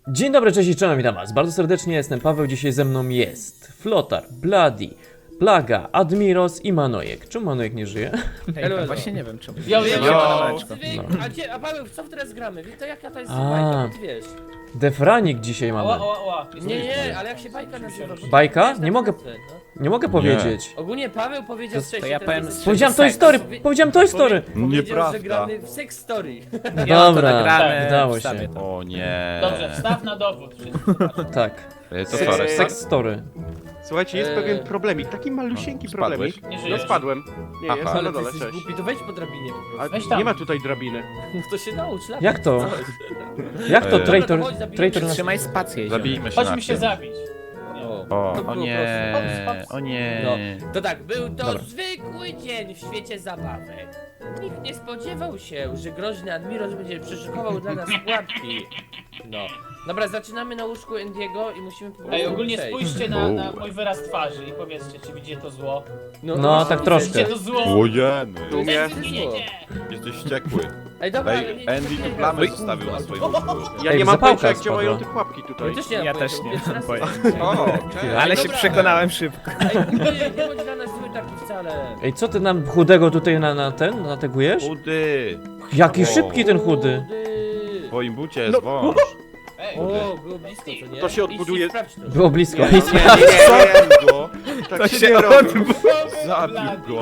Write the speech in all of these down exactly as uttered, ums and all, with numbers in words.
Dzień dobry, cześć i czołem, witam was bardzo serdecznie, jestem Paweł, dzisiaj ze mną jest Flotar, Bloody, Plaga, Admiros i Manojek. Czemu Manojek nie żyje? Ej, no właśnie nie wiem czemu. Ja wiem, Yo. Wy, a, gdzie, a Paweł, co teraz gramy? To jaka to jest A. bajka, ty wiesz? Defranik dzisiaj mamy. Ła, ła, ła. Nie, nie, ale jak się bajka nazywa? Bajka? Wiesz, Nie tak mogę- nazwę, no. Nie mogę powiedzieć. Ogólnie Paweł powiedział To- to wcześniej... ja ten powiem wyzwy- Powiedziałem Toy Seks. Story, powiedziałem Toy Story. Powiedział, Nieprawda. że gramy w Sex Story. Ja to Dobra, nagramy, udało wstawię się. to. O nie. Dobrze, wstaw na dowód. Tak. E, To Eee, sorry. Sex Story. Słuchajcie, jest Eee. pewien problemik, taki malusieńki No, problemik. spadłeś? Nie No żyjesz. spadłem. Nie, Aha. jestem Ale na ty dole, jesteś cześć. głupi, to wejdź po drabinie po A prostu. Weź tam. nie ma tutaj drabiny. No to się naucz, latać. Jak to? Coś. Jak to Eee. traitor, Dobra, to chodź, zabijemy traitor się. nas... Trzymaj spację. Zabijmy się Chodźmy na się tym. zabić. O. O, To o było nie. proste. Hops, hops. O nie. No, to tak, był to Dobra. zwykły dzień w świecie zabawek. Nikt nie spodziewał się, że groźny Admiros będzie przyszykował dla nas pułapki. No. Dobra, zaczynamy na łóżku Endiego i musimy po prostu Ej, ogólnie przejść. spójrzcie na, na mój wyraz twarzy i powiedzcie, czy widzicie to zło. No, tak troszkę. Widzicie to zło? Ojeny. Tu mnie. Jedzie! Jesteś wściekły. Ej, dobra, ale Ej, nie- Andy nie tu biegaj. plamę zostawił na swoim łóżku. Ja Ej, nie mam zapałka pojęcia jak spadła. działają te pułapki tutaj. Ja też nie, mam Ja też pojęcia, nie pierwszy mam raz pojęcia. to O, słyszę. cześć. Ale się Dobra. przekonałem szybko. Ej, nie, nie bądź dla nas zły taki wcale. Ej, co ty nam chudego tutaj na, na ten, nategujesz? Chudy. Jaki O. szybki ten chudy. W twoim bucie No. jest wąż. Ej, O, było blisko, co nie? To się Idź i odbuduje- sprawdź to. Było blisko. Nie, nie, Zabił go. Tak To się, się nie robi. Zabił go.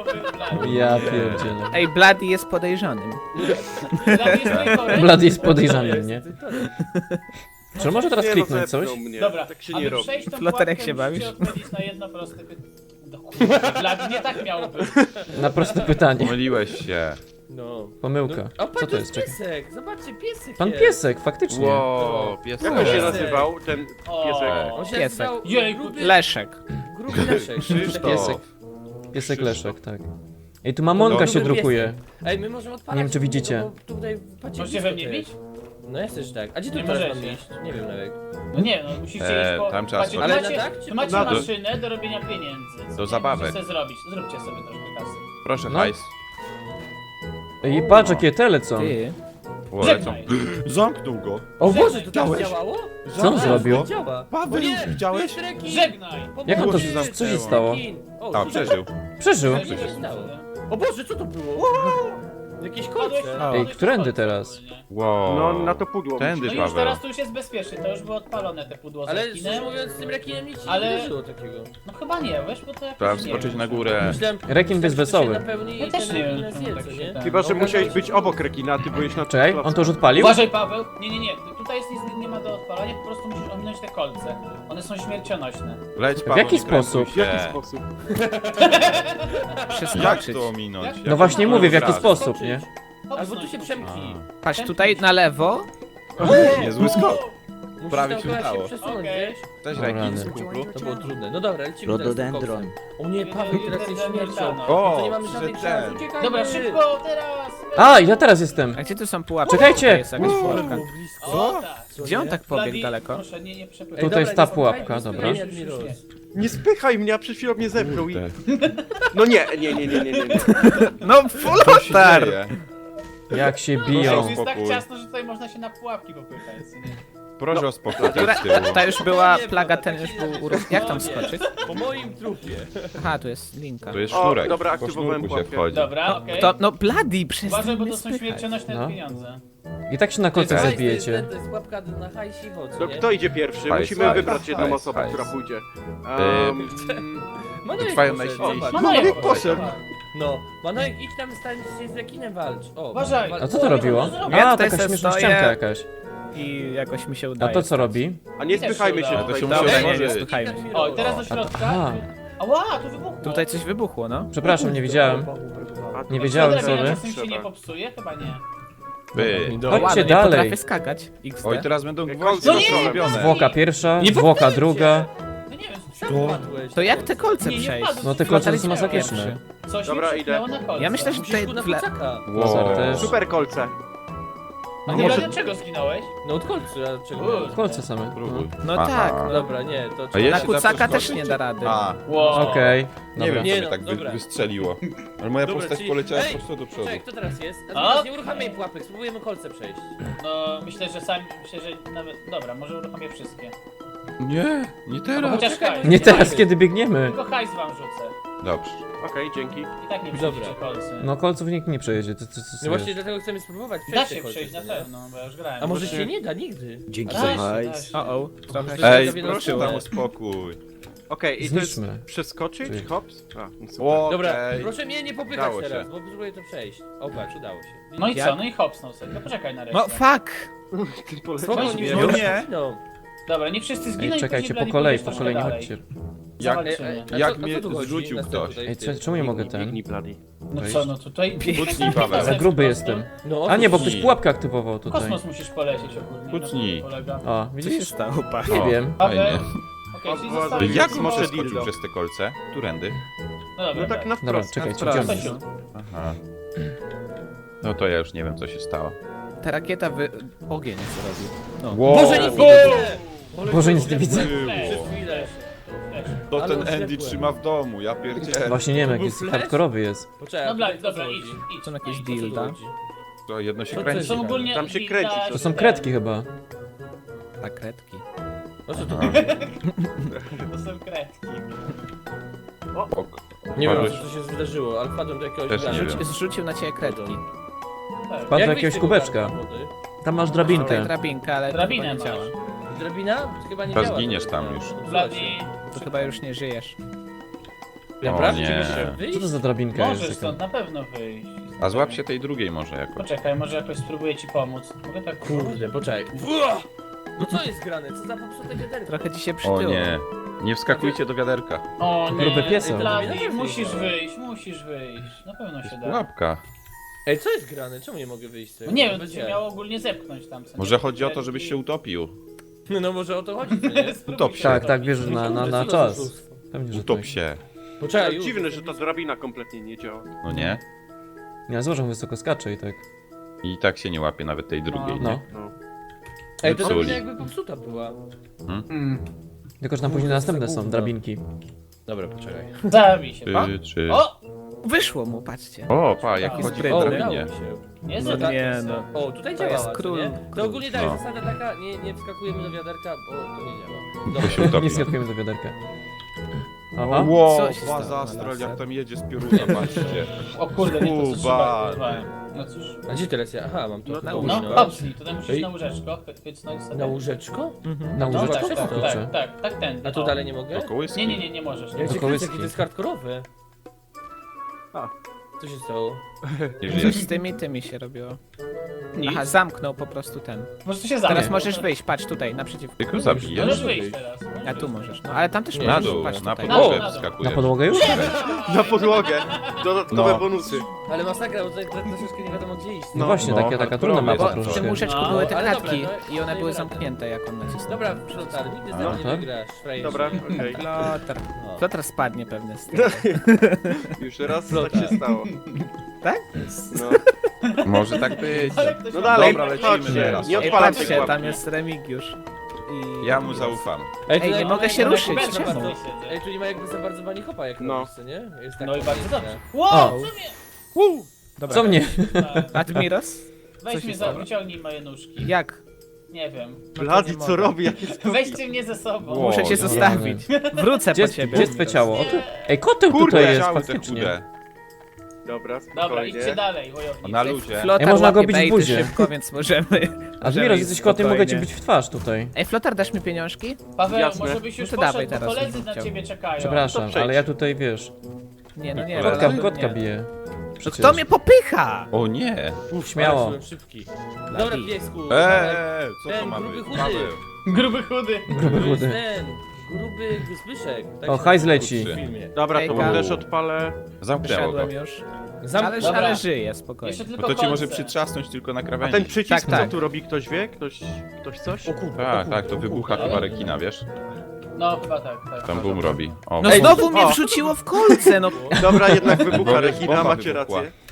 Ja pierdzielę. Ej, Bloody jest podejrzanym. Bloody jest podejrzany, nie? Czy może teraz Nie, no, kliknąć zepchnął coś? mnie. Dobra, Tak się aby nie robi. przejść tą Flotar, jak pułapkę, się bawisz? musicie odpowiedzieć na jedno proste pytanie. No kurde, Vlad, nie tak miało być. Na proste pytanie. Pomyliłeś się. No. Pomyłka. O, Co patrz, to jest? Czekaj. piesek, zobaczcie, piesek Pan jest. piesek, faktycznie. Ło, piesek. Jak on się Piesek. nazywał, ten piesek? On się Piesek. nazywał Jejku, gruby, Leszek. gruby Leszek. Krzysztof. Piesek. Piesek Leszek, tak. Ej, tu mamonka No, się gruby drukuje. Ej, my możemy odpalać. Nie wiem, czy widzicie. No, bo tutaj, patrzcie, Możecie blisko we mnie to jest. bić? No ja też tak. A gdzie tu Nie teraz mam możecie. iść? Nie wiem nawet. No nie, no musicie Eee, iść po... tam trzeba Patrzcie, tu Ale schodzić. na macie, tak, czy tu macie na dół? maszynę do robienia pieniędzy. Co Do nie zabawek. możecie zrobić. Zróbcie sobie troszkę kasy. Proszę, No. hajs. Ej, patrz jakie te lecą. Ty. Ło, lecą. Żegnaj. Zamknął go. O Boże, to tak Widziałeś? działało? Co on zrobił? Działa. Paweł, widziałeś? Żegnaj! Jak on to, Było się co się zamknęło. stało? O, A, tu- przeżył. Przeżył. Co się stało? O Boże, co to było? Jakieś Padłeś- kolce. O. Ej, padłeś którędy do końca teraz? ogólnie. Wow. No na to pudło. Tędy, No już Paweł. teraz tu już jest bezpiecznie, to już było odpalone te pudło z Ale rekinem. szczerze mówiąc, z tym rekinem nic się Ale- nie wydarzyło takiego. No chyba nie, wiesz, bo to jakoś Trzeba nie wskoczyć wiem. na górę. Myślałem, Rekin jest myślałem, że wesoły. się napełni Ja i też ten nie rekin wiem, nas czemu je, tak co się nie? da. Chyba, że No, musiałeś okazało być się- obok rekina, a ty byłeś na Czekaj, on to już odpalił? Uważaj, Paweł! Nie, nie, nie, tutaj jest nic nie ma do odpalania, po prostu musisz ominąć te kolce. One są śmiercionośne. Leć, Paweł, jaki nie krępuj sposób? W się. jaki sposób? Jak Przeskoczyć. to ominąć? No No właśnie Jak mówię, w to jaki raz? sposób, nie? Albo tu się przemknij. Patrz, tutaj na lewo. Niezły skok. Musisz Prawie tam się akurat udało. przesunąć, Okej. wiesz? Cześć, O, Rekin, rany. z kumplu. To było trudne. No dobra, lecimy teraz z tym Rododendron. koksem. O nie, Paweł, teraz jest śmiercią. O, To nie mamy żadnych że szans, ten. uciekajmy! Dobra, szybko, teraz! A, ja teraz jestem. A gdzie tu są pułapki? Czekajcie! Tutaj jest jakaś pułapka. O, tak. Gdzie on tak pobiegł Vladi, daleko? Proszę, nie, nie przepychaj. Ej, Tutaj dobra, jest ta nie pułapka, spychaj, dobra. nie spychaj, Admiros. Nie spychaj mnie, a przed chwilą mnie zepchnął i... Kurde. No nie, nie, nie, nie, nie, nie. nie. No, Co się Flotar! dzieje? Jak się Proszę, biją. jest tak Spokój. ciasno, że tutaj można się na pułapki popychać. nie? Proszę o spokój Która, z tyłu. ta już była Nie, plaga, bo ten tak już się był nie- urok. Jak tam skoczyć? Po moim trupie. Aha, tu jest linka. To jest O, sznurek. dobra, Po aktywowałem sznurku się pułapkę. wchodzi. Dobra, okej. To, no Bloody, przestań Uważaj, bo mnie to są spychać. śmiercionośne No. pieniądze. I tak się na kolce Hajs, zabijecie. To jest, to jest łapka na hajsi chodź, No nie? kto idzie pierwszy? Hajs, Musimy hajs, wybrać jedną hajs, osobę, hajs. która pójdzie. Ym, Um, Manojek Trwają poszedł, najsilniejsi. zobacz. Manojek Manojek poszedł. No, Manojek, idź tam, stań się z rekinem walcz. O, Uważaj. walcz. A co to robiło? Ja A, tutaj taka se śmieszna stoję. ścianka jakaś. I jakoś mi się A udaje. to co robi? a nie Też spychajmy się się udało. To się tutaj. musi Dobra. nie, nie, otworzyć. słuchajmy. O, teraz do środka. Aha. Ała, tu wybuchło. Tutaj coś wybuchło, no. Przepraszam, nie widziałem. A tu Nie na wiedziałem, środek sorry. Czasem się nie popsuje? Chyba nie. Wy. Chodźcie Ładnie, dalej. potrafię skakać. X D. Oj, teraz będą Jak gwoździe kolce No nie, zrobione. Zwłoka pierwsza, Nie zwłoka popchajcie. druga. No nie wiem, Sam padłeś. To jak te kolce Nie, nie przejść? wpadł. No te Flotar kolce jest są masakryczne. Coś Dobra, mi idę. przepchnęło na kolce. Ja myślę, że Musisz tutaj tu na w le... kucaka. Wow. też. Super kolce. A No ty może- dlaczego zginąłeś? No od kolcu, a czego? Uuu. Kolce same. Próbuj. No Aha. tak, no. Dobra, nie, to A trzeba... jeszcze Na kucaka zaprosz też skoczyć? nie da rady. A, Wow. Okej. nie Dobra. wiem, Nie co mnie no, tak wy, dobra. wystrzeliło. Ale moja Dobra, postać czyli- poleciała Ej, po prostu do przodu. Czekaj, kto teraz jest? A A? teraz nie uruchamiaj pułapek, spróbujemy kolce przejść. No myślę, że sami, myślę, że nawet... Dobra, może uruchomię wszystkie. Nie, nie No, teraz. chociaż czekaj, hajs. Nie teraz, kiedy biegniemy. Tylko hajs wam rzucę. Dobrze. Okej, dzięki. I tak nie Dobra. przejdziecie kolcy. No kolców nikt nie przejedzie. Ty, ty, ty, No właśnie dlatego chcemy spróbować Da przejść te się kolce, przejść na nie? pewno, bo ja już grałem. A może Właśnie- się nie da nigdy? Dzięki A za da się, hajs. da się. O, o, trochę Może się... Ej, sobie na proszę tyłek. tam o spokój. Okej, i to jest Zniszczmy. przeskoczyć? Czyli- Hops? A, no super. Okej. Dobra, proszę mnie nie popychać Udało się. teraz, bo próbuję to przejść. O, patrz, udało się. No i Jak? co? No i hopsnął sobie. No poczekaj na resztę. No fuck! Ty poleciałeś. Spokojnie, nie, nie, no nie. nie. No. Dobra, nie wszyscy zginą Ej, i czekajcie, później po Blady kolei, pójdziesz po kolei, nie troszkę chodźcie. Jak, Zawalczymy. A jak co- a mnie co tu chodzi? zrzucił Następny ktoś? tutaj Ej, w co- tym- czemu nie mogę ten? Biegnij, Bloody. No Wejść. co, no tutaj... Kucnij, Paweł. Za gruby jestem. No, o A nie, bo co ktoś chodzi? pułapkę aktywował tutaj. Kosmos musisz polecieć ogólnie. Kucnij. Na tym polega. O, Co się widzisz? stało, pa? Nie O. wiem. Paweł. Fajnie. Okej, czyli O, zostawię... Jak Może może skoczył dildo. przez te kolce? Którędy? No dobra, No tak na Dobra, wprost. czekajcie, Na idziemy. wprost. Aha. No to ja już nie wiem, co się stało. Ta rakieta wy... ogień zrobił. No. Wow. Boże, nic nie widzę! Boże, nic nie widzę. Przez chwilę. To Ale ten Andy oślepłem. trzyma w domu, ja pierdzielę. Właśnie nie wiem, jak był jest flash? hardkorowy jest. Poczekaj, Dobra, tutaj co dobra, chodzi? idź, idź. Są jakieś idź. Co tu dilda. chodzi? To jedno się To kręci. Są ogólnie... Tam się dilda- kręci coś. To są kredki chyba. Ta kredki. O co tu Aha. To są kredki. Ok. Nie wiem, Padłeś? co się zdarzyło, ale wpadłem do jakiegoś Też nie gana. wiem. Zrzucił na ciebie kredki. Tak. Wpadł do Jak jakiegoś wyjść z tego kubeczka. garnka wody? Tam masz Tutaj drabinkę. drabinka, ale to Drabinę chyba nie masz. działa. Drabina? Chyba nie To działa. zginiesz drabina. tam już. Blady... To chyba już nie żyjesz. Naprawdę? O nie. Czy jeszcze Co wyjść? to za drabinka Możesz jest? stąd taka? na pewno wyjść. A złap się tej drugiej może jakoś. Poczekaj, może jakoś spróbuję ci pomóc. Mogę tak... Kurde, poczekaj. Ua! No co jest grane? Co za popsute wiaderko? Trochę ci się O przytyło. nie. Nie wskakujcie do wiaderka. O nie, Gruby piesek. Blady, Ej, musisz no. wyjść, musisz wyjść. Na pewno Jest się da. pułapka. Ej, co jest grane? Czemu nie mogę wyjść z tego? No nie wiem, to Bez cię jaj. miało ogólnie zepchnąć tam. co nie? Może chodzi o to, żebyś się utopił. No może o to chodzi, co nie? Spróbuj Utop się się. Tak, tak, utopić. wiesz, że na, na, na Co to za czas. oszustwo? Pewnie, że Utop tak. się. Poczekaj, już. Dziwne, że ta drabina kompletnie nie działa. No nie? Nie, złożę wysoko skacze i tak. I tak się nie łapie nawet tej drugiej, No. nie? No. Ej, to Zepsuli. drabina jakby popsuta była. Mm. Tylko, że tam później następne są drabinki. Dobra, poczekaj. Zabij się, pa. Trzy, trzy. O! Wyszło mu, patrzcie. O, pa, jak Jaki chodzi sprytny. po O, udało drabinie. się. Nie, No no, nie, no. O, tutaj To działa, jest co król- nie? król. To ogólnie tak, No. zasada taka, nie, nie wskakujemy do wiaderka, bo to nie działa. To Dobra. się utopi. Nie skakujemy do wiaderka. Aha. Wow, Co się baza stało, astral, laser? jak tam jedzie z pioruna, patrzcie. O kurde, nie to co Kuba. trzeba. Dbałem. No cóż. A gdzie teraz ja? Aha, mam to. No, chyba na- No, uminąłem. hopsnij, tutaj musisz Ej. na łóżeczko chy- chycnąć sobie. Na łóżeczko? Mhm. Na No łóżeczko? tak, tak, Kurczę. tak, tak, tak, ten. A tu dalej nie mogę? Do kołyski. Nie, nie, nie, nie możesz. Ja Nie. cię Do kręcę, kołyski. jakie to jest hardkorowe. A. Co się stało? Nie Coś żyjesz. z tymi tymi się robiło. Nic. Aha, zamknął po prostu ten. Może to się zamknie. Teraz możesz wyjść, patrz tutaj, naprzeciw. Ty go zabijesz? Możesz wyjść teraz. możesz A tu wyjść. możesz, no ale tam też Nie, Na możesz, dół, patrz na tutaj. podłogę Na dół. wskakujesz. Na podłogę już? Na podłogę. Dodatkowe No. bonusy. Ale masakra, bo tutaj troszeczkę nie wiadomo gdzie iść. No właśnie, no, taka, taka hardkorowy trudna jest mapa Bo w tym troszkę. łóżeczku No, były te ale kratki dobra, no, i one były dajmy radę. zamknięte jak on nacisnął. Dobra, Flotar, nigdy z A, nami nie tak? wygrasz, frajerze. Dobra, okej. Flotar. O. Flotar spadnie pewnie z tego. Już raz Flota. tak się stało. Tak? No, Może tak być. Ale ktoś no ma- dalej, Dobra, lecimy chodźcie. teraz. Nie Ej, odpalam tej patrzcie, pułapki. tam jest Remigiusz. I... Ja mu zaufam. Ej, tu nie nie mogę ma się jakby ruszyć, za czemu? bardzo- Ej, tu nie ma jakby za bardzo bani hopa jak No. robisz, co nie? Jest tak No i bardzo piękne. dobrze. Wow, O. co mnie? Dobra. Co mnie? Admiros? Weź Co się mnie za, stało? wyciągnij moje nóżki. Jak? Nie wiem. Blady, nie co mogę. robi? Jakie skoki? Weźcie mnie ze sobą. Wow. Muszę cię nie. zostawić. Wrócę Gdzie po jest, ciebie. gdzie jest twoje ciało? O, tu... Ej, koteł Kurde, tutaj jest, ciały te faktycznie. chude. Dobra, Dobra, spokojnie. idźcie dalej, wojownicy. Na luzie. Flotar Ej, można go łapie bić w bejty buzie. szybko, więc możemy... A możemy Admiros, iść jesteś kotem, mogę cię spokojnie. bić w twarz tutaj. Ej, Flotar, dasz mi pieniążki? Paweł, Jasne. może byś już No to dawaj poszedł, bo teraz, koledzy bym na chciał. ciebie czekają. Przepraszam, to przejdź. ale ja tutaj, wiesz, Nie, no nie. kotka, ale- kotka nie. bije. Przecież. Kto mnie popycha? O nie. Śmiało. Ale byłem szybki. Dobra, piesku. Eee, co to Ten ma gruby być? chudy. Paweł. Gruby chudy. Gruby To jest chudy. ten, gruby Zbyszek. Tak O, się hajs nazywa leci. w filmie. Dobra, to Ejka. też odpalę. Zamknęło go. Wyszedłem już. Zam... Ale, Dobra. ale żyję, spokojnie. Jeszcze Bo tylko to cię może kolce. przytrzasnąć tylko na A krawędzi. ten przycisk, Tak, co tak. tu robi? Ktoś wie? Ktoś, ktoś coś? O kurde, o Tak, kurde, tak, to o wybucha kurde. chyba rekina, wiesz? No, chyba tak, tak. Tam boom robi. O, No Ej, znowu mnie o. wrzuciło w kolce, no. Dobra, jednak wybucha Bo rekina, bomba macie wybuchła. rację.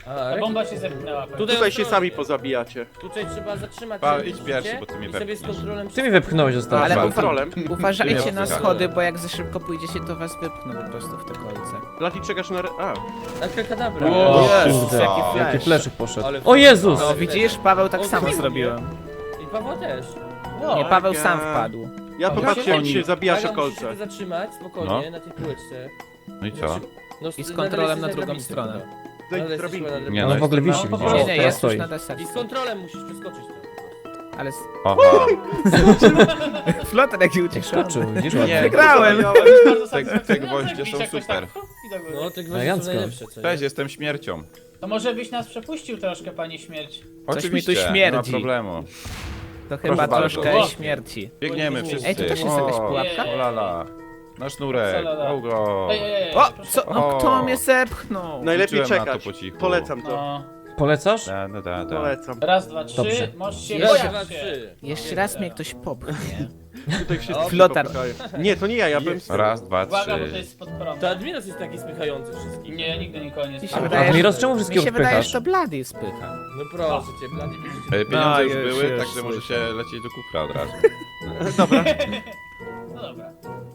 A, Ta Reki- bomba się zepchnęła. pewnie. Tutaj Tutaj się ostrożnie. sami pozabijacie. Tutaj trzeba zatrzymać. Pa, sobie idź życie pierwszy, bo ty mnie i sobie z wepchniesz. kontrolem... Ty mi wepchnąłeś ostatnio. Ale Ale ufa- kontrolem. Uważajcie na wpychamy. schody, bo jak za szybko pójdziecie, to was wypchną po prostu w te kolce. Blady czekasz na... re- A, Akrakadabra. O Jezus, kurde, jaki jaki flash. fleszek poszedł. Ale- O Jezus! No widzisz, Paweł tak O, samo dziękuję. zrobiłem. I Paweł też. No, Nie, Paweł ja- sam wpadł. ja O, popatrzcie jak oni- się zabijasz o Aga, musisz kolce. się zatrzymać spokojnie na tej półeczce. No i co? No, I z na- kontrolem na na drugą drabince stronę. chyba. Zejdź Ale z jesteś drabinki. chyba na Nie, On no w ogóle jestem wisi, na- widzisz? Nie, nie, Teraz jest już stoi. na I z desce. kontrolem musisz przeskoczyć to. Ale... Aha. Flotar jaki uciekł. Skoczył, widzisz? Nie, ładnie. Wygrałem! To jest bardzo Te- satysfakcjonujące, te gwoździe jak są jakoś super. tak, hop, i do góry. No, te gwoździe są Elegancko. najlepsze, co nie? Cześć, jestem śmiercią. To może byś nas przepuścił troszkę, panie śmierć. Coś mi tu Oczywiście, nie ma śmierdzi. problemu. To chyba bardzo. troszkę O. śmierci. Biegniemy Ej, wszyscy. tu też jest jakaś O, pułapka? o lala. Na sznurek, Salala. go go. Ej, ej, ej, O! proszę. Co? No O. kto mnie zepchnął? Najlepiej Liczyłem na to czekać. po cichu. Polecam to. No. Polecasz? Da, da, da, da. Polecam. Raz, dwa, trzy, Dobrze. możesz się Jeszcze Raz, bojać dwa, się. trzy. Jeszcze raz mnie ktoś popchnie. Tutaj wszyscy się Flotar. popychają. Nie, to nie ja, ja byłem z tyłu. Raz, dwa, Uwaga, bo to trzy. jest spod prądu. To Admiros jest taki spychający wszystkich. Nie, ja nigdy nikogo nie Mi się spałem. wydaje, Admiros, że- czemu Mi wszystkiego się wydaje, wpychasz? że to Blady spycha. No proszę cię, Blady widzicie. E, Pieniądze No, już już, były, już także może słyszę. się lecieć do kufra od razu. No dobra.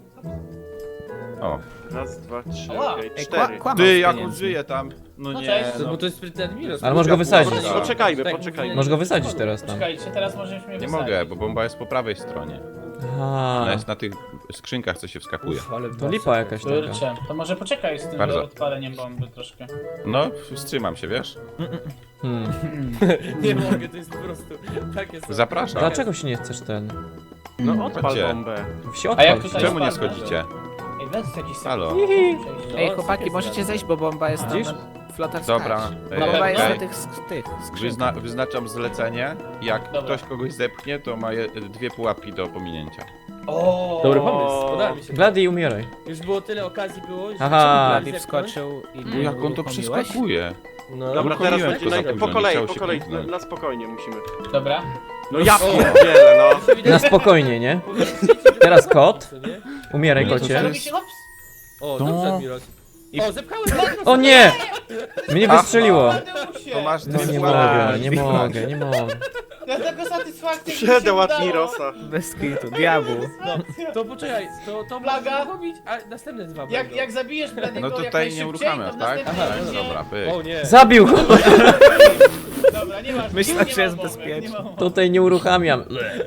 O. Raz, dwa, trzy, Ała. okej, Ej, cztery. kła- kłamał Ty, z jak on pieniędzmi. żyje tam? No No nie, cześć. To, no. bo to jest sprytny Admiros. Ale możesz go wysadzić. Poczekaj- Poczekajmy, Tak, poczekajmy. mówię, Możesz go wysadzić teraz tam. Czekajcie, teraz możesz mnie Nie wysadzić. mogę, bo bomba jest po prawej stronie. Aha, Ona jest na tych skrzynkach, co się wskakuje. Uf, ale to lipa jakaś taka. Kurczę, to może poczekaj z tym Bardzo. odpaleniem bomby troszkę. No, wstrzymam się, wiesz? Hmm. Nie mogę, to jest po prostu takie są. Zapraszam. Dlaczego się nie chcesz ten... No odpal Chodźcie. bombę. Wsi A jak odpal tutaj- się. Czemu nie spadnę. schodzicie? Ej, weź jakiś Halo. No, Ej, chłopaki, jest możecie rady. zejść, bo bomba jest tam Widzisz? na flotar Dobra, skacz. ej, Bomba jest okej. na tych, sk- tych skrzynkach. Wyzna wyznaczam zlecenie. Jak Dobra. ktoś kogoś zepchnie, to ma je dwie pułapki do pominięcia. O. Dobry pomysł, podoba mi się. Blady, umieraj. Już było tyle okazji było, że Aha. Blady zepchnąć. wskoczył i Mm, Jak on to uruchomiłeś? przeskakuje? No, Dobra, teraz Uruchomiłem będzie go za naj... późno, po nie kolei, chciało po się kolei, na, kliknąć. na spokojnie musimy. Dobra. No ja O. pierdzielę, no. Na spokojnie, nie? Teraz kot. Co, nie? Umieraj, Nie, kocie. robi się hops. O, To- dobrze, Admiros. O, zepchałem Admiros. O nie! Mnie wystrzeliło. Adeusie. To masz No dwie nie pułapki. mogę, nie mogę, nie mogę. Ja tego satysfakcję Przedał Admirosa. Bez kitu, diabłu. To poczekaj, to, to Plaga. możesz robić, a następne dwa Jak, będą. jak zabijesz Bladiego No jak tutaj najszybciej, nie uruchamiasz, to tak? następnie Aha, Tak, będzie- dobra, pyk. O nie. Zabił go! Dobra, nie ma Myślę, nie ma że jest mowy, bezpieczny. nie ma mowy. Tutaj nie uruchamiam.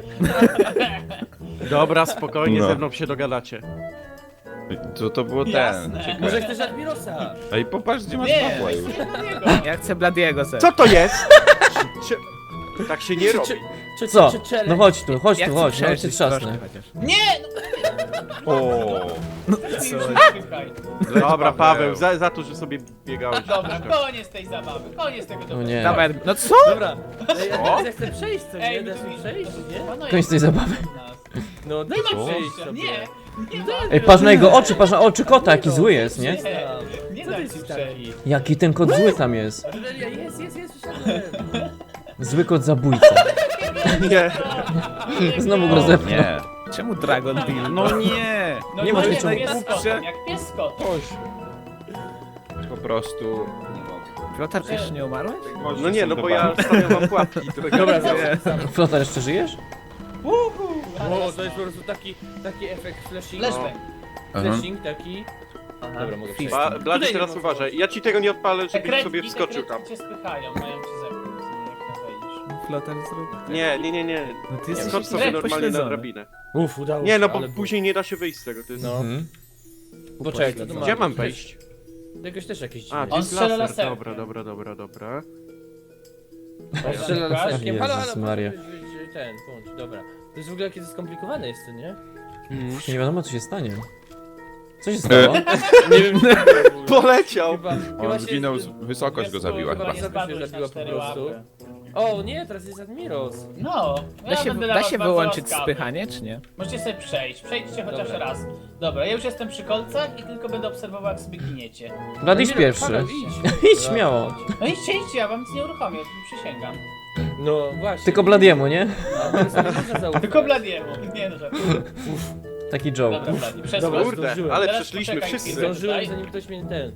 Dobra, spokojnie, No. ze mną się dogadacie. To, to było ten. Jasne. Może chcesz Admirosa? Ej, popatrz, gdzie masz Nie, Pawła już. chcę Bladiego. Ja chcę Bladiego zepchnąć. Co to jest? Czy... Tak się nie robi. Czy, Co? czy, czy No chodź tu, chodź Ja tu, chcę chodź, nawet cię przeżyć trzasnę. troszkę chociaż. Nie! O. No, ty już nie spychaj. Dobra, Paweł, za, za to, że sobie biegałeś. Dobra, koniec tej zabawy, koniec tego O dobrego. nie. Dawaj, no co? Dobra. Ej, ja chcę przejść, co nie? Ej, Dasz no mi to- przejść, nie? Panowie, Koniec tej zabawy. nas. No daj Nie mi ma przejść przejścia, sobie. nie! Nie ma! Ej, patrz na jego oczy, patrz na oczy kota, jaki zły jest, nie? Nie, nie Co da ty ci jesteś przejść. taki? Jaki ten kot zły tam jest. Aureliia, jest, jest, jest, wysiadłem. Zły kot zabójca. Nie. Znowu go zepchnął. Nie. Czemu Dragon Deal? No nie. No Nie nie masz jak niczego. pies z kotem, jak pies z kotem. Po prostu nie mogę. Flotar, ty jeszcze nie umarłeś? No nie, no bo ja stawiam wam pułapki. Dobra, Nie. Flotar, jeszcze żyjesz? O, to jest po prostu taki, taki efekt flashing. Flashback. Flashing taki. Dobra, mogę przejść. Ba, Blady, Tutaj teraz nie ma uważaj. Ja ci tego nie odpalę, Te żebyś kredki, sobie te wskoczył tam. kredki cię spychają, mają cię zepchnąć, jak tam wejdziesz. Flotar zrób. Nie, nie, nie, nie. No ty jesteś Skocz sobie jakiś normalnie na pośledzony. drabinę. Uf, udało Nie, się, no bo ale później nie da się wyjść z tego. To jest... No. Mhm. Poczekaj, co to ma? Gdzie mam wejść? Jakoś też jakieś A, dziwne. to On jest strzela laser. laserkiem. Dobra, dobra, dobra, dobra. On strzela laserkiem. Halo, Jezus halo, Maria. proszę, wy- wy- ten, bądź, dobra. To jest w ogóle jakie skomplikowane jest, to nie? Nie wiadomo, co się stanie. Co się stało? Nie wiem, Poleciał! chyba, chyba On się... zginął, z- wysokość go zabiła Chyba chyba. nie Chyba się spadłeś zabiła na po cztery prostu. łapy. O nie, teraz jest Admiros. No, Da ja się, będę dla da was się bardzo wyłączyć łaskawy. spychanie, czy nie? Możecie sobie przejść, przejdźcie chociaż Dobra. raz. Dobra, ja już jestem przy kolcach i tylko będę obserwował, jak sobie giniecie. Blady, idź Admiros, pierwszy. halo, idź. Idź śmiało. No idźcie, idźcie, ja wam nic nie uruchomię, przysięgam. No właśnie. Tylko Bladiemu, nie? Admirosowi nie można zaufać. Tylko Bladiemu, nie no żartuję. Taki joke. Dobra, Bladi, Dobra, przesłuchaj. Kurde, zdążyłem. ale Teraz przeszliśmy poczekaj wszyscy. chwilę. Zdążyłem, zanim ktoś mnie ten...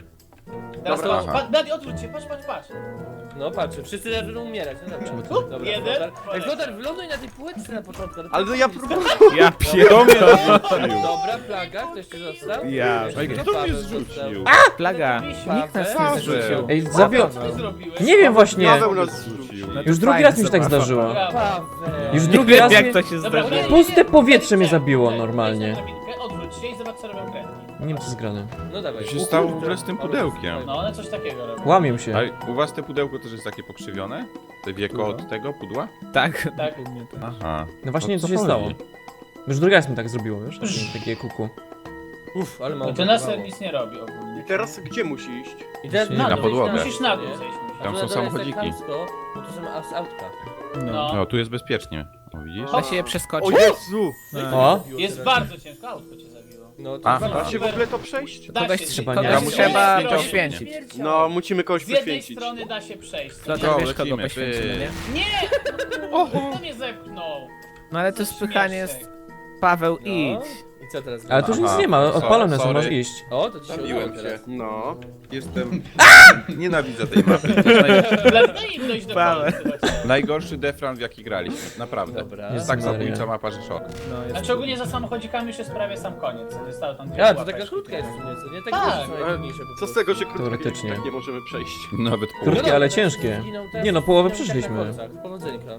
Teraz Dobra. patrz, Aha. patrz, Blady, odwróć się, patrz, patrz, patrz. No patrz, wszyscy zaczną umierać, no dobra. Up, Dobra, jeden, Flotar. Ej, poleciał. Flotar, wyląduj na tej półeczce na początku. Ale no ja próbuję. Ja pierdolę. Dobra, plaga, ktoś jeszcze został? Ja. Jeszcze Kto mnie Paweł zrzucił? został. Plaga. Nikt nas nie Paweł. zrzucił. Ej, zawio... Co ty zrobiłeś? Nie wiem właśnie. Paweł nas zrzucił. No to Już drugi fajna raz mi się tak zabawa. zdarzyło. Brawo. Paweł. Już Nie drugi wiem raz jak mi... to się Dobra, zdarzyło. nie, nie, Puste nie, powietrze mnie wejdź, zabiło wejdź, normalnie. wejdź na drabinkę, odwróć się i zobacz co robią kredki. Nie wiem co jest grane. No dawaj. Co się O stało kurde, w ogóle z tym ale pudełkiem? zostało. No one coś takiego robią. Łamią się. A u was te pudełko też jest takie pokrzywione? Te wieko od tego pudła? Tak. Tak. Aha. No właśnie O co co się chodzi? stało. Już drugi raz mi tak zrobiło, wiesz? Takie, takie kuku. Uff, ale mało No to nas brakowało. nic nie robi ogólnie. I teraz gdzie musi iść? I teraz Na na, dół, podłogę. idź Musisz na dół nie? zejść. A Tam tu są na dole jest tak samochodziki. chamsko, bo tu są aus- autka. No. No, tu jest bezpiecznie. O, widzisz? Da się je O przeskoczyć? Jezu! O! Jest bardzo ciężko, autko cię zabiło. No to Aha. Da się w ogóle to przejść? Da Kogoś się, trzeba, z- nie? kogoś Komuś z trzeba jednej strony- poświęcić. No, musimy kogoś Z jednej poświęcić. strony da się przejść. Flotar, To wiesz kogo lecimy, poświęcimy, ty. nie? Nie! Kto mnie zepchnął? No ale to Co spychanie śmieszek. jest... Paweł, No. idź. I co teraz? Ale tu już Aha. nic nie ma, odpalone są, Sorry. możesz iść. O, to ci się Zabiłem udało teraz. No. Jestem... Nienawidzę tej mapy. Dlatego im dojść do Paweł. końca. chociaż. Najgorszy defran w jaki graliśmy. Naprawdę. Dobra. Jest tak Maria. zabójcza mapa, że szok. No, jest... Znaczy ogólnie za samochodzikami już jest prawie sam koniec. Zostało tam dwie A, to łapeczki. taka krótka jest w sumie, co nie? Tak, Tak, duże są Ale najtrudniejsze po co z prostu. tego, że krótko Teoretycznie. tak nie możemy przejść? Nawet pół. Krótkie, No ale dobra, ciężkie. teraz zginął, teraz Nie no, połowę zginął przeszliśmy. tak na kolcach. Powodzenka.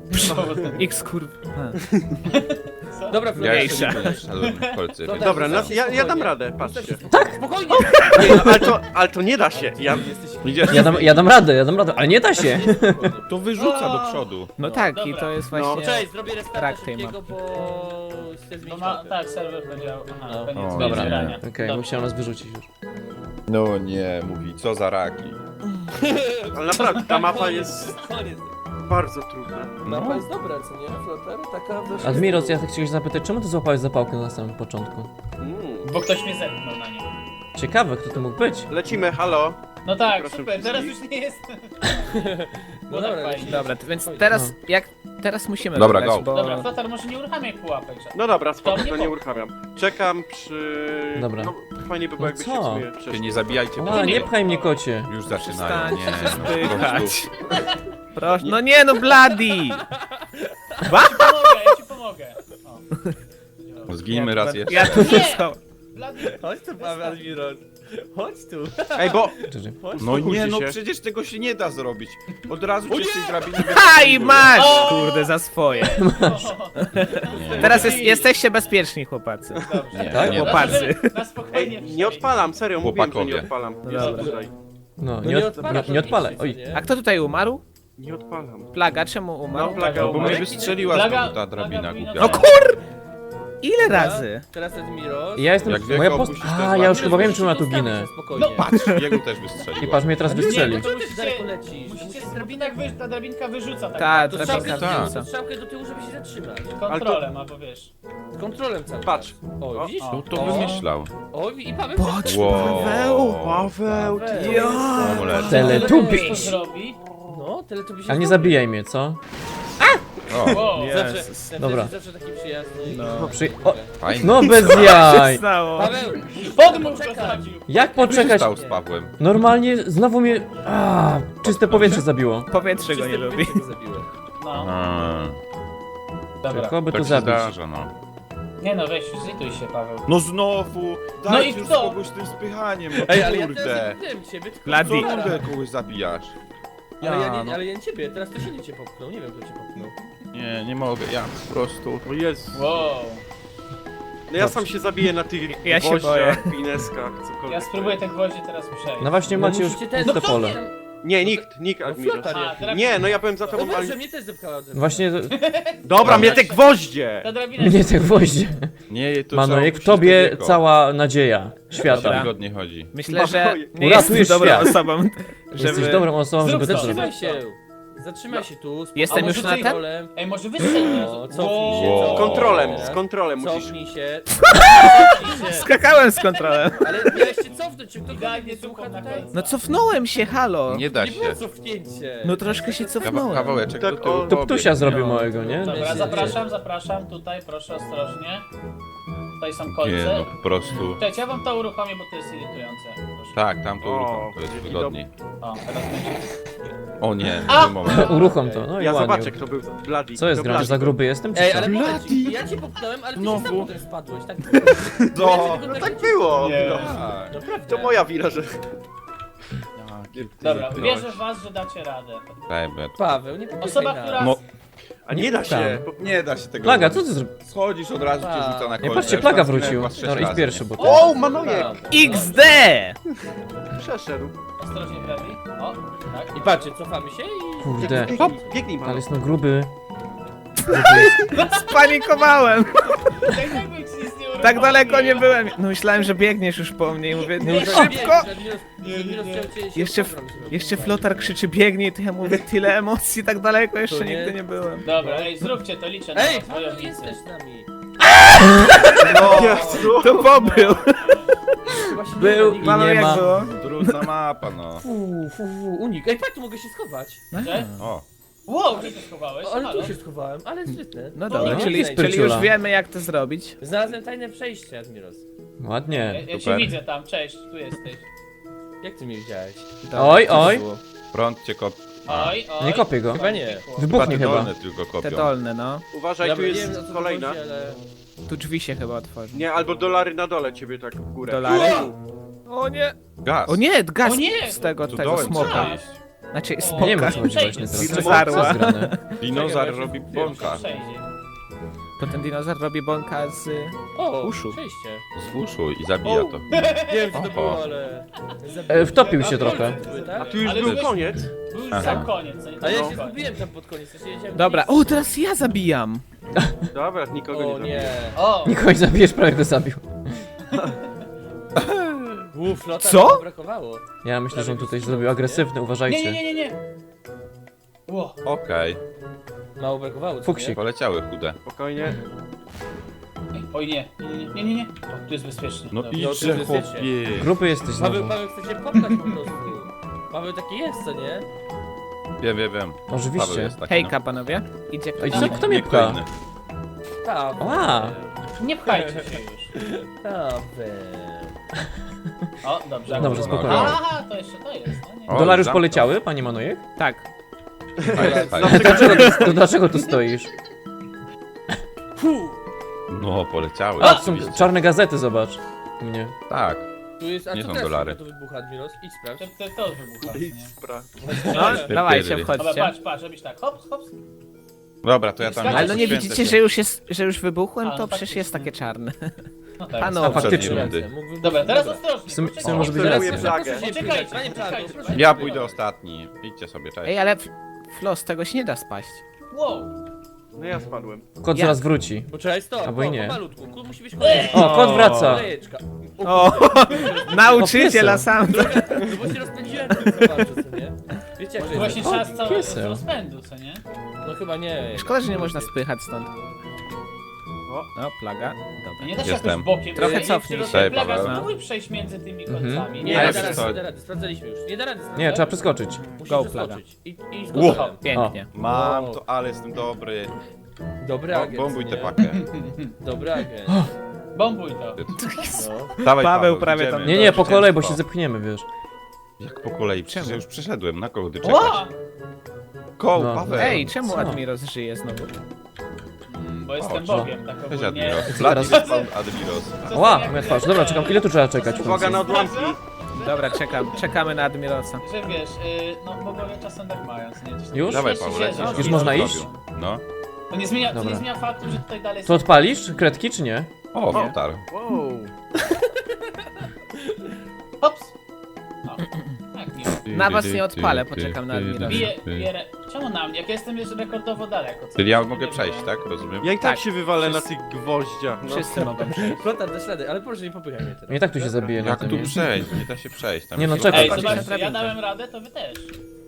X kurwa. Dobra, Ja Florian, jeszcze nie wszedłem w kolce. No więc- tak. Dobra, nas, ja, ja dam radę, Ustaw się patrzcie. spokojnie. Spokojnie! Nie, no, ale, to, ale to nie da się. Ja, Idziesz, Ja dam, ja dam radę, ja dam radę, ale nie da się. to wyrzuca do przodu. No tak, i dobra. to jest No. właśnie... Cześć, zrobię restarta Rak tej szybkiego, bo chcę No zmienić ma, mapę. tak, serwer powiedział. Aha, No. koniec O, Dobra, zbierania. okej, Dobrze. bo chciałem nas wyrzucić już. No nie, mówi, co za raki. ale naprawdę, ta mapa jest Koniec. bardzo trudna. Mapa jest dobra, co nie? Flotar? Taka weszła Admiros, z ja tyłu. tak chciałem się zapytać, czemu ty złapałeś zapałkę na samym początku? Mm. Bo ktoś mnie zepchnął na nią. Ciekawe, kto to mógł być. Lecimy, halo. No tak, Proszę super, teraz już wszystkich. nie jest. No dobra, lecimy. Dobra, to więc teraz, jak... Teraz musimy Dobra, wygrać, go. bo... Dobra, Flotar może nie uruchamiaj pułapek. że- No dobra, spoko, To to nie nie po- uruchamiam. Czekam przy... Dobra. No, fajnie by było, No jakby się co? w sumie Się przeszli. nie zabijajcie, bo A, nie pchaj mnie, kocie. już zaczynają. Nie, Przestańcie się no, po prostu. spychać. Proszę, no nie no, Bloody! Pomogę, ja ci pomogę. O. Zginimy raz jeszcze. Ja tu został. Blady, Chodź tu, Paweł Admiros. Chodź tu. Ej, bo... Cześć. No nie, Uspokójcie no się. przecież tego się nie da zrobić. Od razu cię z tej drabiny Ha i wyciągnie. masz! O! Kurde, za swoje. Nie. Teraz jest, jesteście bezpieczni, chłopacy. dobrze. Nie, Tak? nie da. Chłopacy. Na spokojnie Ej, nie odpalam, serio, mówiłem, że nie Chłopakowie. odpalam. No Jest dobra. tutaj. No, No nie, od, odpala nie, to nie odpalaj. nic, Oj. nie? A kto tutaj umarł? Nie odpalam. Plaga, czemu umarł? No, plaga Bo mnie umarł. wystrzeliła Plaga- znowu ta plaga drabina powinna głupia. No kur... Ile razy? Teraz Admiros. Ja jestem... Jak Moja wieko post... opuścisz, to A, jest ja już ważne. chyba wiem, czemu ja tu Ustawić ginę. się spokojnie. No patrz! Jego też I wystrzeliła. patrz, mnie teraz Nie, wystrzeli. to ty Musicie- daleko lecisz. Musicie drabinak wy, ta drabinka wyrzuca tak. Ta, To drabinka strzałkę, Tak. wrzuca. to strzałkę do tyłu, żeby się zatrzymać. Kontrolem, albo wiesz. Z kontrolem cały Patrz. czas. O, O, widzisz? o. To wymyślał. O, i Paweł Patrz, Wow. Paweł! Paweł, ty... Ja. Amulet. Teletubiś. Co zrobi? No, tyle to by się Ale nie zrobił. zabijaj mnie, co? O, Wow. Nie. Zawsze, Jezus. ten Dobra. też jest zawsze taki przyjazny. No. Przy... O, fajnie. no bez Co się jaj! stało? Paweł, Podmuch go Czekaj. zabił. Jak Co się poczekać? stało z Pawłem? Normalnie znowu mnie... A, czyste powietrze zabiło. Powietrze go nie czyste lubi. powietrze go zabiło. No, A, dobra. Tylko by tak tu się zabić. zdarza, no. Nie no, weź, zlituj się, Paweł. No znowu! No Dajcie i już kto? kogoś tym spychaniem, no Ej, ale ja kurde! teraz wiem ciebie, tylko Bloody. Co Flotara. kurde kogoś zabijasz? Ale ja, Ja, nie, no. ale ja nie ciebie, teraz to się nie cię popchnął, nie wiem kto cię popchnął. Nie, nie mogę, ja po prostu... O Jezu. Wow. No ja sam się zabiję na tych Ja się gwoździach, pineskach, cokolwiek. Ja spróbuję te gwoździe teraz przejść. No właśnie macie już musicie ten- puste No kto pole. mnie- Nie, nikt, nikt, No Admiros. Flotar A, jakiś. drabina. Nie, no ja byłem za No tobą, ale... dobrze, mnie też zepchała ze mną. Właśnie Dobra, mnie te gwoździe! Ta drabina mnie te gwoździe. Nie, to Manojek, w trzeba opuścić tobie to wieko. cała nadzieja O to świata. wygodnie chodzi. Myślę, że Paweł, nie uratujesz jestem dobrą świat. osobą, Jesteś żeby... dobrą osobą, Zrób żeby to to. zrobić. Zatrzymaj się! Zatrzymaj się tu. spokojnie. Jestem A już może na ty- ten? Kontrolem. Ej, może wystrzel O, cofnij się, Wow. cofnij Z się. kontrolem, z kontrolem musisz... Cofnij się. Cofnij się. Skakałem z kontrolem. Ale miałeś się cofnąć, czy ktokolwiek Idealnie nie słucha tylko na tutaj? końcu. No cofnąłem się, halo. Nie da Nie się. było cofnięcie. No troszkę się Kawa cofnąłem. kawałeczek Tak, do tyłu. o, To Ptusia zrobił No. małego, nie? Dobra, Wiecie, zapraszam, zapraszam. Tutaj, proszę, ostrożnie. Tutaj są kolce. Nie no, po prostu. Cześć, ja wam to uruchomię, bo to jest irytujące. Proszę. Tak, tam to O, uruchom, to jest będzie wygodniej. O, teraz będzie. O nie, A! nie moment. Uruchom to, no i Ja ładnie. zobaczę, kto był Bloody. Co jest Kto grane, że za Bloody gruby jestem, czy Ej, co? ale moment, ja cię popchnąłem, ale ty Znowu. sam potem spadłeś, tak? No, no tak było. Nie. No. Tak. Naprawdę. To moja wina, że... Dobra, Ty- wierzę w was, że dacie radę. Daj, bet. Paweł, nie popychaj Osoba, nas. która... No, A nie da się. bo- nie da się tego Plaga, co zrobić. ty zrobiłeś? Schodzisz od razu, cię Tak. rzuca na Nie, kolce. patrzcie, Już Plaga tam zginęłem wrócił. chyba z sześć Dobra, idź razy, pierwszy, nie? bo ty... O, Manojek! X D! Przeszedł. Ostrożnie prawi. O, tak. I patrzcie, cofamy się i... Kurde, Hop, biegnij, ale man. jest no gruby. Spanikowałem. Tak jakby ci nic nie uruchomił. Tak daleko nie byłem. No myślałem, że biegniesz już po mnie i mówię, no szybko. Jeszcze, jeszcze Flotar krzyczy biegnij, to ja mówię tyle emocji, tak daleko jeszcze To nie- nigdy nie byłem. Dobra, ej, zróbcie to, liczę na Ej, was, Paweł, wojownicy. jesteś z nami. No, Jezu. To pobył. Właśnie Był nie ma i Panu nie jak ma. było? Trudna mapa, no. Fu, fu, fu, unik. Ej, patrz, tu mogę się schować. Że? O, Wow, gdzie się schowałeś? O, ale Halo? tu się schowałem, ale sprytne. No To dobra, nie czyli, ma czyli spryciula. już wiemy jak to zrobić. Znalazłem tajne przejście, Admiros. Ja, Ładnie. ja cię Super. widzę tam, cześć, tu jesteś. Jak ty mnie widziałeś? Dobra, Oj, co oj. było? prąd cię kop... A, Oj, oj. Nie kopię go. Chyba nie. chyba Wybuchnie te chyba. dolne tylko Te kopią. dolne, no. Uważaj, tu Dobra, nie wiem, jest o co kolejna. chodzi, ale... Tu drzwi się chyba otworzą. Nie, albo dolary na dole ciebie tak w górę. Dolary? O nie! Gaz. O nie, gaz O nie! z tego, Tu tego dołem smoka. trzeba iść. Znaczy O, smoka. Nie wiem, o co chodzi Przejdź, właśnie teraz. dinozaur. Co jest grane? Dinozaur Czekaj, robi bo ja się bąka. Przejdzie. To ten dinozaur robi bąka z... O, Uszu. przejście. Z uszu i zabija to. Nie wiem, co to Oho. było, ale... E, wtopił się A, trochę. kolce były, A tak? tu już Ale był wiesz- koniec. Był już Aha. sam koniec, co nie? A ja No. się zgubiłem tam pod koniec, ja się wiedziałem, Dobra, gdzie o teraz ja zabijam. Dobra, nikogo jest. O nie nie. O, Nikogo nie zabijesz, prawie go zabił. Uff, no tak Co? brakowało. Ja myślę, że on tutaj zrobił agresywny, nie, uważajcie. nie, nie, nie, nie. Ło, Okej, Mało brakowało, co Fuksik. nie? poleciały chude. Spokojnie. Ej, oj nie, nie, nie, nie, nie. O, tu jest bezpiecznie. No Dobra. i- to idźże jest bezpiecznie. chłopie. Grupy jesteś Paweł, znowu. Paweł chce się popchać po prostu. Paweł taki jest, co nie? Wiem, wiem, wiem. Paweł Oczywiście. jest taki, Hejka panowie. Idzie Ej, ktoś. co, no. kto mnie Nie pcha? inny. Paweł. A. Nie pchajcie się już. Paweł. O, dobrze. Dobrze, akurat. spokojnie. Aha, to jeszcze to jest. No, nie. O, Dolary już zamknął. poleciały, panie Manojek? Tak. Fajnie, fajnie. Dlaczego, tu- to dlaczego tu stoisz? No, poleciały. A, są oczywiście. czarne gazety, zobacz. U mnie. Tak. Tu jest, a Nie co są teraz dolary. to wybucha, Admiros? Idź To, sprawdź. to, to wybucha. Idź nie? spra. No, dawajcie, Dobra, wchodźcie. patrz, patrz, robisz tak. Hops, hops. Dobra, to ja tam... Ale no nie poświęcę widzicie, się. że już jest, że już wybuchłem, A, to no przecież faktycznie. jest takie czarne. No tak. Panu, A faktycznie. rundy. Mógł wybuch- Dobra, teraz Dobra. ostrożnie. W sumie- w poczekaj. sumie może być Obserwuję racja. plagę. Poczekajcie, Panie Plago, poczekajcie. proszę. Ja pójdę ostatni. Idźcie sobie, cześć. Ej, ale f- Flos, tego się nie da spaść. Wow. No ja spadłem. Kot Jak? zaraz wróci. Poczekaj, stop, Albo i o, nie. pomalutku, Kut musi być kolejny. O, kot wraca. Kolejeczka. O, nauczyciela O, sam. No bo się rozpędziłem tylko za bardzo, co nie? Wiecie jak to Właśnie jest? trzeba z całego piesem. rozpędu, co nie? No chyba nie. Szkoda, że nie można spychać stąd. O. No, plaga. Nie Dobra. da się Jestem. jakoś bokiem. Trochę przejść, cofnij czy się. rozpęd- Plaga, Paweł. spróbuj przejść między tymi Mhm. kolcami. Nie, Ale nie da rady, co? nie da rady, sprawdzaliśmy już. Nie da rady. Nie, sprawdzać. trzeba przeskoczyć. Musisz Go, przeskoczyć. I, i Ło. skoczyłem. Pięknie. Mam Wow. to, ale jestem dobry. Dobry Bo, agent, bombuj nie? tę pakę. Dobry agent. Bombuj to. No. Dawaj, Paweł prawie idziemy. tam- Nie, nie, po kolei, bo się Zwycięstwo. zepchniemy, wiesz. Jak po kolei? Przecież Czemu? ja już przeszedłem. Na kogo ty czekasz? Ła! Koł, No. Paweł. Ej, czemu Co? Admiros żyje znowu? Bo jestem co? Bogiem, tak Cześć, ogólnie. Admiros. teraz- Blady spawn Admiros. Ła, moja twarz. Dobra, czekam. Ile tu trzeba czekać? w Uwaga końcu? na odłamki. Dobra, czekam. Czekamy na Admirosa. Że wiesz, y, no bogowie czasem tak mają, co nie? Coś Już? Dawaj, Jeszcze Paweł, się- lecisz. no, Już nie, można no, iść? No. To nie zmienia, to Dobra. nie zmienia faktu, że tutaj dalej To odpalisz kredki, czy nie? O, Flotar. Wow. Hops! O, tak, nie. Na was nie odpalę, poczekam na Admirosa. Bije, bije, re- czemu na mnie? Jak ja jestem jeszcze rekordowo daleko. Co? Czyli ja Nie mogę wiem. przejść, tak? Rozumiem? Ja i tak Tak. się wywalę na tych gwoździach. No. Wszyscy mogą przejść. Flotar, dasz radę, ale proszę nie popychaj mnie teraz. Nie tak tu się zabije na Jak tym. tu nie? przejść? Nie da się przejść. Tam Nie no, się- czekaj. Ej, Chodźcie zobaczcie, na ja drabinkę. dałem radę, to wy też.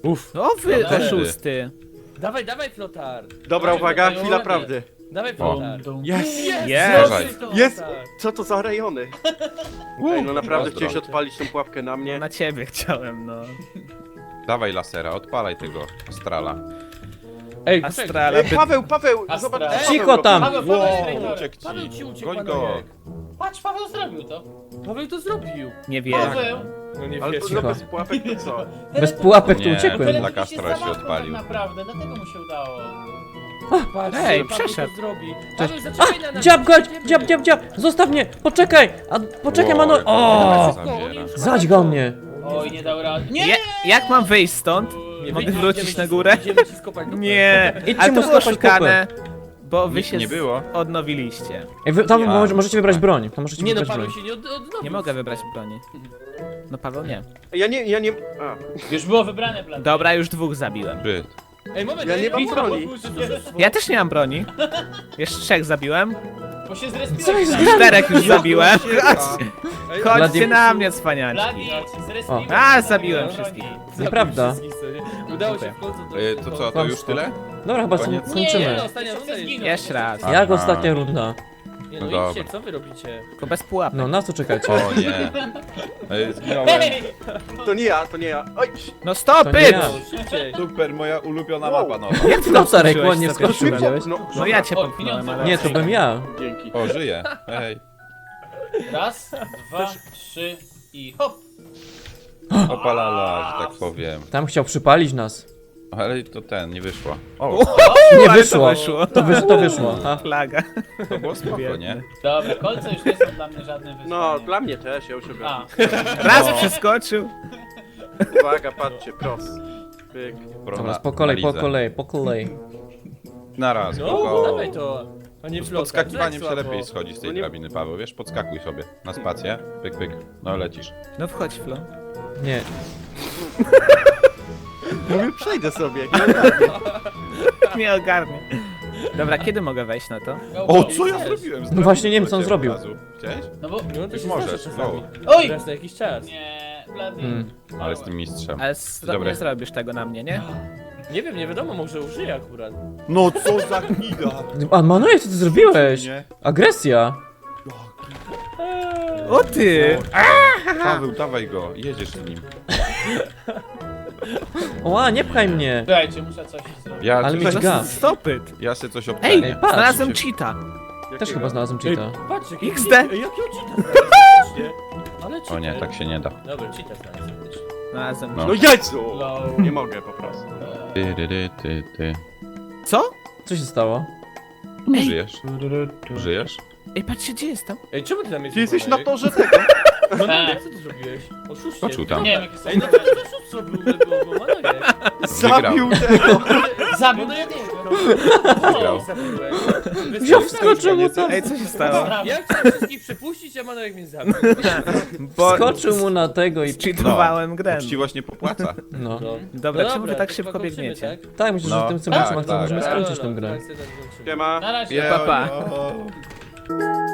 Uff. O wy, Dobra. oszusty. Dawaj, dawaj, Flotar. Dobra, uwaga, Dawaj, chwila dawaj. prawdy. Dawaj, O. Flotar. Dum. Jest! Jest! Jest. zrobił to, Jest! Flotar. Co to za rejony? Ej, no naprawdę Pozdro. chciałeś odpalić tą pułapkę na mnie. Na ciebie chciałem, no. Dawaj lasera, odpalaj tego astrala. Ej, poczekaj. Astrala. Ej, Paweł, Paweł, Astra. zobacz. Ej, Paweł cicho robi. tam. Paweł, Paweł, Wow, Paweł, uciekł ci. Paweł ci uciekł, Goń go. Manojek. Patrz, Paweł zrobił to. Paweł to zrobił. Nie wiem. Paweł. No nie Ale wiesz. no Cicho. bez pułapek to co? Bez pułapek tu Nie, uciekłem. Dla Teleporт Kastra się zamachnął odpalił. Tak naprawdę, dlatego mu się udało. Patrz, Ej, Paweł przeszedł. to zrobi. Paweł, zaczekaj na nas. Dziab, godź, idziemy. dziab, dziab, dziab! Zostaw mnie! Poczekaj! A, poczekaj, Wow, Mano... jak O! to zabiera. Zadźgał mnie! Oj, nie dał rady. Nie! Ja, jak mam wyjść stąd? Nie, Mogę wyjdziemy wrócić ci- na górę? Idziemy ci skopać dupę. Nie, Idźcie ale mu to było skopać szukane, bo wy Nic się nie było. odnowiliście. Ej, wy, tam Ja. może, możecie wybrać broń. Tam możecie Nie no, wybrać Paweł broń. się nie od, odnowił. Nie mogę wybrać broni. No Paweł nie. Ja nie, ja nie... A. Już było wybrane plan. Dobra, już dwóch zabiłem. Byt. Ej, moment, Ja ej, nie mam ej, broni. Ja też nie mam broni. Jeszcze trzech zabiłem. Bo się zrespiłeś. Co jest Bladi. Czterech już zabiłem. Ej, Chodźcie Bladi- na mnie, cwaniaczki. Bladi, zrespiłeś. A, zabiłem Broni. wszystkich. zabił Nieprawda. wszystkich sobie. Udało się w końcu do... E, to co, to już Kłamstwo. tyle? Dobra, chyba Koniec. są- Nie, kończymy. no, ostatnia runda jest. Jeszcze raz. Jak Aha. ostatnia runda? Nie no, No idźcie, dobra. co wy robicie? Tylko bez pułapek. No, na co czekacie? O nie. E, Zginąłem. Hej! To nie ja, to nie ja. Oj! No stop To nie it! ja. No, szybciej. Super, moja ulubiona Wow. mapa nowa. Jak ty No, Sarek, skoczyłeś ładnie za skoczył, pierwszym razem? widziałeś? No, No ja cię O, popchnąłem, pieniądze. ale... Nie, to bym ja. Dzięki. O, żyję. Ej. Raz, dwa, trzy i hop. Opalala, że tak powiem. Tam chciał przypalić nas. Ale to ten, nie wyszło. O, Nie ale wyszło. To wyszło. To, wy, to wyszło. A. Flaga. to było spoko, nie? Dobra, kolce już nie są dla mnie żadnym wyzwaniem. No, dla mnie też, ja już A, ogarnę. Raz No. przeskoczył. Uwaga, patrzcie, pros. Pyk. Dobra, po kolei, po kolei, po kolei. Na raz, No, go. dawaj to. A nie Z Flotar, podskakiwaniem tak się słabo. lepiej schodzi z tej No nie- drabiny, Paweł, wiesz? Podskakuj sobie na spację. Pyk, pyk. No lecisz. No wchodź, Flo. Nie. Mówię, przejdę sobie. Nie ogarnie. Dobra, kiedy mogę wejść na to? go, O, go. co ja zrobiłem? No właśnie nie wiem, co on Zrobiłem zrobił. od razu. Chciałeś? No bo... No to Już się możesz, zdarza go. czasami. Oj! Raz na jakiś czas. Nie, Blady. Hmm. Ale jestem mistrzem. Ale z- Dobra. nie zrobisz tego na mnie, nie? Nie wiem, nie wiadomo, może użyję akurat. No co za gnida! A Manojek, co ty zrobiłeś? Nie. Agresja. O ty! Paweł, dawaj go, jedziesz z nim. Oła, nie pchaj mnie. Słuchajcie, muszę coś zrobić. Ja, Ale coś, mieć ga. Stop it! ja se coś Ej, obcenię. patrz. znalazłem cheata. Też chyba znalazłem cheata. Patrz, jaki X D. cheat- Ej, jakiego cheata znaleźliście? Ale cheater. O nie, tak się nie da. Dobra, cheata znalazłem. Znalazłem No. No Jezu! Low. Nie mogę po prostu. Ty, ty, ty, ty, ty. Co? Co się stało? Ej. Żyjesz? Żyjesz? Ej, patrzcie, gdzie jestem? Ej, czemu ty tam jesteś? Ty jesteś na Manojek? torze tego. No nie, co ty zrobiłeś? Oszuście. Skoczył tam. Nie wiem, jakie są Ej, no to ty oszust zrobił, bo, bo Manojek. Zabił tego. Zabił No ja nie tego. Wygrał. zabiłeś. Wziął, wskoczył mu tam. Ej, co się stało? Ja chciałem wszystkich przepuścić, a Manojek mnie zabił. Bo Skoczył mu na tego i... cheatowałem grę. Uczciwość nie popłaca. No. No. Dobra, No czemu wy tak to szybko chyba kończymy, biegniecie? tak? Tak, myślę, że No. w tym co Tak, tak, tak, możemy tak. skończyć Dobra, tę grę. tak, tak, tak, kończymy. Siema. Na razie. Je- Pa, pa. jo.